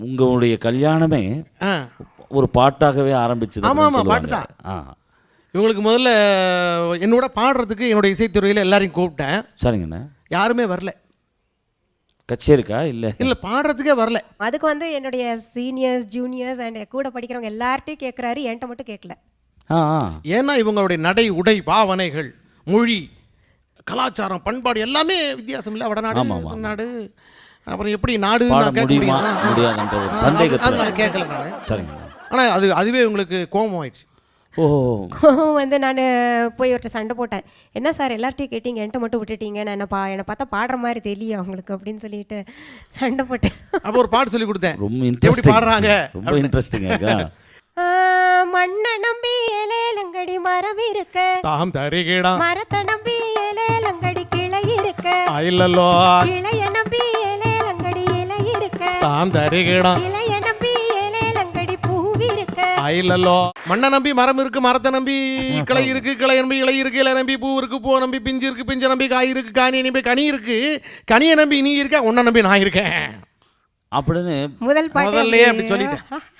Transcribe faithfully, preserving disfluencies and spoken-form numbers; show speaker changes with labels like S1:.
S1: உங்களுடைய கல்யாணமே
S2: ஆ
S1: ஒரு பாட்டாகவே ஆரம்பிச்சது.
S2: ஆமாம் ஆமாம் பாட்டு தான்.
S1: ஆ
S2: இவங்களுக்கு முதல்ல என்னோட பாடுறதுக்கு என்னோட இசைத்துறையில் எல்லாரையும் கூப்பிட்டேன்.
S1: சரிங்கண்ணா.
S2: யாருமே வரல.
S1: கச்சேரிக்கா இல்லை
S2: இல்லை பாடுறதுக்கே வரல.
S3: அதுக்கு வந்து என்னுடைய சீனியர்ஸ் ஜூனியர்ஸ் அண்ட் கூட படிக்கிறவங்க எல்லார்ட்டையும் கேட்குறாரு, என்கிட்ட மட்டும் கேட்கல.
S1: ஆ ஆ
S2: ஏன்னா இவங்களுடைய நடை உடை பாவனைகள் மொழி கலாச்சாரம் பண்பாடு எல்லாமே வித்தியாசம் இல்லை. வடநாடு நாடு அப்புறம் எப்படி நாடு
S1: பாட முடியுமா முடியாதுன்ற ஒரு சந்தேகத்தை
S2: நான் கேட்கல நான்.
S1: சரிங்கண்ணா.
S2: ஆனால் அது அதுவே உங்களுக்கு கோபம் ஆயிடுச்சு.
S1: ஓ
S3: வந்து நான் போய் ஒருத்தர் சண்டை போட்டேன். என்ன சார் எல்லார்ட்டையும் கேட்டீங்க, என்கிட்ட மட்டும் விட்டுட்டீங்க, நான் என்ன பா என்னை பார்த்தா பாடுற மாதிரி தெரியல அவங்களுக்கு அப்படின்னு சொல்லிட்டு சண்டை போட்டேன்.
S2: அப்போ ஒரு பாட்டு சொல்லி கொடுத்தேன்.
S1: ரொம்ப
S2: எப்படி
S1: இன்ட்ரெஸ்டிங்
S2: பாடுறாங்க.
S1: ரொம்ப இன்ட்ரெஸ்டிங்கா.
S3: மண்ணை நம்பி ஏலேலங்கடி மரம் இருக்க,
S2: தாம் தருகிடா
S3: மரத்தை நம்பி ஏலேலங்கடி கிளை இருக்க,
S2: இல்லல்லோ
S3: கிளைய நம்பி ஏலேலங்கடி இலை இருக்க,
S2: தாம் தருகிடா
S3: இலைய நம்பி ஏலேலங்கடி பூவி இருக்க.
S2: இல்லல்லோ மண்ணை நம்பி மரம் இருக்கு, மரத்தை நம்பி கிளை இருக்கு, கிளை நம்பி இலை இருக்கு, இலை நம்பி பூ இருக்கு, பூ நம்பி பிஞ்சு இருக்கு, பிஞ்சை நம்பி காய் இருக்கு, காணியை நம்பி கனி இருக்கு, கனியை நம்பி நீ இருக்க, உன்னை நம்பி நான் இருக்கேன்
S1: அப்படின்னு
S3: முதல் பாட்டு
S2: முதல்லயே அப்படி சொல்லிட்டேன்.